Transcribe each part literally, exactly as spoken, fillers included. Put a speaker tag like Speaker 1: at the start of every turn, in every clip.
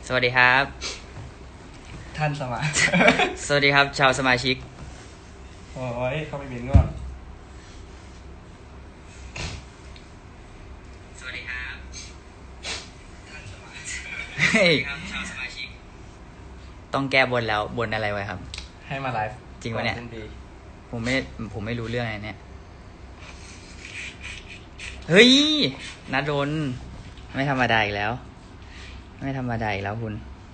Speaker 1: สวัสดีครับ
Speaker 2: ท่านสมา
Speaker 1: สวัสดีครับ ชาวสมาชิก
Speaker 2: โอ้ยเข้าไปเมนก่อน
Speaker 1: สวัสดีครับ
Speaker 2: ท่านสมา
Speaker 1: เฮ้ยชาวสมาชิก ต้องแก้บนแล้วบนอะไรไว้ครับ
Speaker 2: ให้มาไลฟ์
Speaker 1: จริงปะเนี่ย
Speaker 2: ก่อสิ้ปี
Speaker 1: ผมไม่ผมไม่รู้เรื่องอะไรเนี่ย เฮ้ยนัดโดนไม่ธรรมดาอีกแล้ว ไม่ธรรมดาอีกแล้วคุณ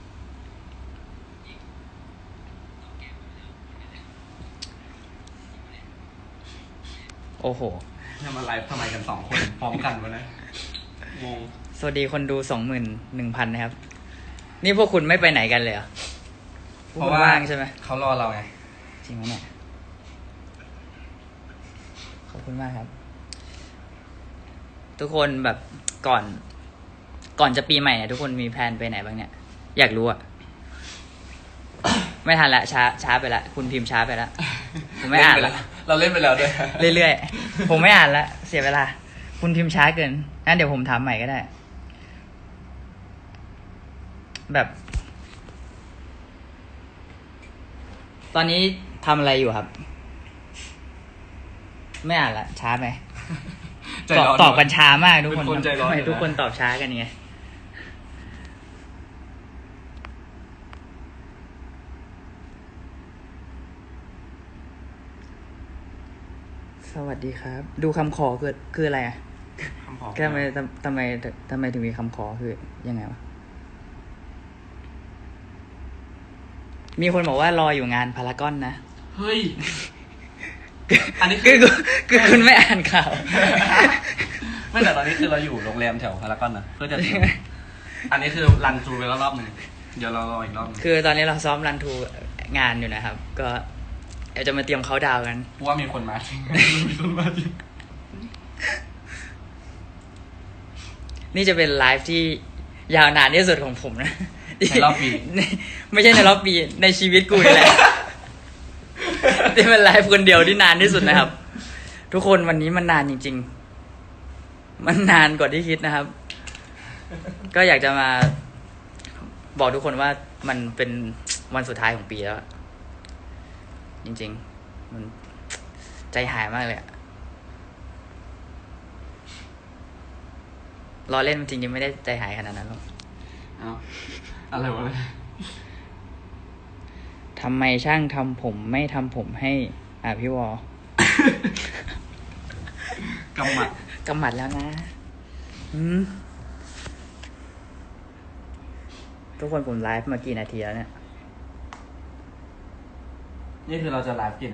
Speaker 1: โอ้โห
Speaker 2: ให้มาไลฟ์ทำไมกันสองคนพร้อมกันวะนะงง
Speaker 1: สวัสดีคนดูสองหมื่นหนึ่งพันนะครับ นี่พวกคุณไม่ไปไหนกันเลยเหรอพวกคุณว่างใช่ไหม
Speaker 2: เขารอเราไง
Speaker 1: จริงไหมเนี่ย ขอบคุณมากครับ ทุกคนแบบก่อน ก่อนจะปีใหม่เนี่ยทุกคนมีแพลนไปไหนบ้างเนี่ย อยากรู้อะ ไม่ทันละช้าช้าไปละคุณพิมพ์ช้าไปละผมไม่อ่านละ
Speaker 2: เราเล่นไปแล้วด้วย
Speaker 1: เรื่อยๆ ผมไม่อ่านละเสียเวลา คุณพิมพ์ช้าเกินงั้นเดี๋ยวผมถามใหม่ก็ได้ แบบ ตอนนี้ทำอะไรอยู่ครับ ไม่อ่านละช้าไหม
Speaker 2: ใจ
Speaker 1: ตอบ
Speaker 2: ร้อน
Speaker 1: ตอบกันช้ามากทุกคน
Speaker 2: เป็นคนใจร้อน
Speaker 1: ทำไม
Speaker 2: อยู่นะ
Speaker 1: ทุกคนตอบช้ากันไงสวัสดีครับ ดูคำขอคือคืออะไรอ่ะ
Speaker 2: คำขอ
Speaker 1: ทำไมทำทำไมทำไมถึงมีคำขอคือยังไงวะ มีคนบอกว่ารออยู่งานพารากอนนะ
Speaker 2: เฮ้ย อันนี้คื
Speaker 1: คือ อคือคุณไม่อ่านข่าว
Speaker 2: ไม่แต่ตอนนี้คือเราอยู่โรงแรมแถวพารากอนนะเพื่อจะถึงอันนี้คือรันทรูไปแล้วรอบหนึ่งเดี๋ยวเรารออีกรอบหนึง
Speaker 1: คือตอนนี้เราซ้อมรันทูงานอยู่นะครับ ก็เดี๋ยวจะมาเตรียมเขาน์ดาวน์กัน
Speaker 2: เพราะว่ามีคนมาจริง มีคนมาจริง
Speaker 1: นี่จะเป็นไลฟ์ที่ยาวนานที่สุดของผมนะ
Speaker 2: ในรอบปี
Speaker 1: ไม่ใช่ในรอบปี ในชีวิตกูนี่แหละ ที่เป็นไลฟ์คนเดียวที่นานที่สุดนะครับ ทุกคนวันนี้มันนานจริง ๆ มันนานกว่าที่คิดนะครับ ก็อยากจะมาบอกทุกคนว่ามันเป็นวันสุดท้ายของปีแล้ว จริง ๆ มันใจหายมากเลยอะรอเล่นจริงๆไม่ได้ใจหายขนาดนั้นหรอก
Speaker 2: เอาอะไรวะเนี่ย
Speaker 1: ทำไมช่างทำผมไม่ทำผมให้ อ่ะพี่วอก
Speaker 2: ำหมัด
Speaker 1: กำหมัดแล้วนะ อืมทุกคนผมไลฟ์มากี่นาทีแล้วเนี่ย
Speaker 2: นี่คือเราจะไลฟ์กี่